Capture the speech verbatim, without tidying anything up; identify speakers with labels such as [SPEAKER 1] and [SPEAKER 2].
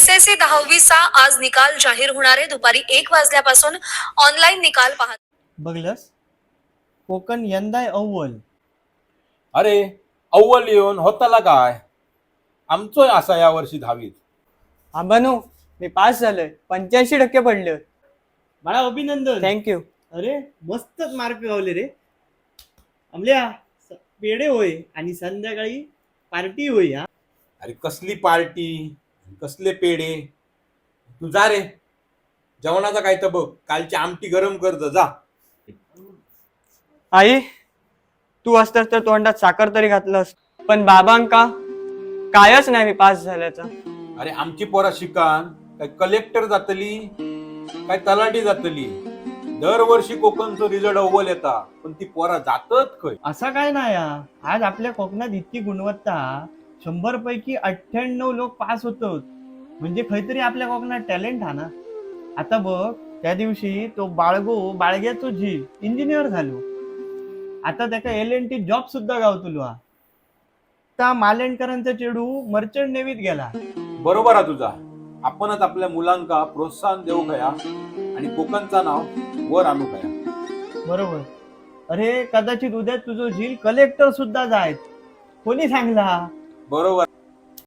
[SPEAKER 1] S S C दहावीचा आज निकाल जाहीर होणार आहे. दुपारी एक वाजल्यापासून ऑनलाईन निकाल पाहत
[SPEAKER 2] बघलस कोकण यंदा अव्वल.
[SPEAKER 3] अरे अव्वल येऊन होताला काय आमचोय असा या वर्षी दहावीत.
[SPEAKER 4] आबानो मी पास झालोय, पंच्याऐंशी टक्के पडले.
[SPEAKER 2] बाळा अभिनंदन.
[SPEAKER 4] थँक्यू.
[SPEAKER 2] अरे मस्तच मार्क गावले रे. आमल्या स- पेढे होय आणि संध्याकाळी पार्टी होय. हा
[SPEAKER 3] अरे कसली पार्टी कसले पेढे. तू जा रे जेवणाचा काय तर बघ, कालची आमटी गरम करत जा.
[SPEAKER 4] आई, तू असतास तर तोंडात साखर तरी घातलंस, पण बाबांका कायच नाही मी पास झाल्याचा.
[SPEAKER 3] अरे आमची पोरा शिकान काय कलेक्टर जातली काय तलाठी जातली. दरवर्षी कोकणचं रिझल्ट अव्वल येता, पण ती पोरा जातत खय.
[SPEAKER 2] असा काय नाही हा. आज आपल्या कोकणात इतकी गुणवत्ता, शंभर पैकी अठ्ठ्याण्णव लोक पास होतो. म्हणजे खैतरी आपल्या कोकणात टॅलेंट हा ना. आता बघ, त्या दिवशी तो बाळगो बाळग्याचो झील इंजिनियर झालो. आता त्याका एल एन टी जॉब सुद्धा गावतलो हा. त्या मालेंडकरांचा चेडू मर्चंट नेव्हीत गेला.
[SPEAKER 3] बरोबर आहे तुझा. आपणच आपल्या मुलांका प्रोत्साहन देऊ खया आणि कोकणचा नाव वर आणू खया.
[SPEAKER 2] बरोबर. अरे कदाचित उद्या तुझं झील कलेक्टर सुद्धा जायत. कोणी सांगला?
[SPEAKER 3] बरोबर.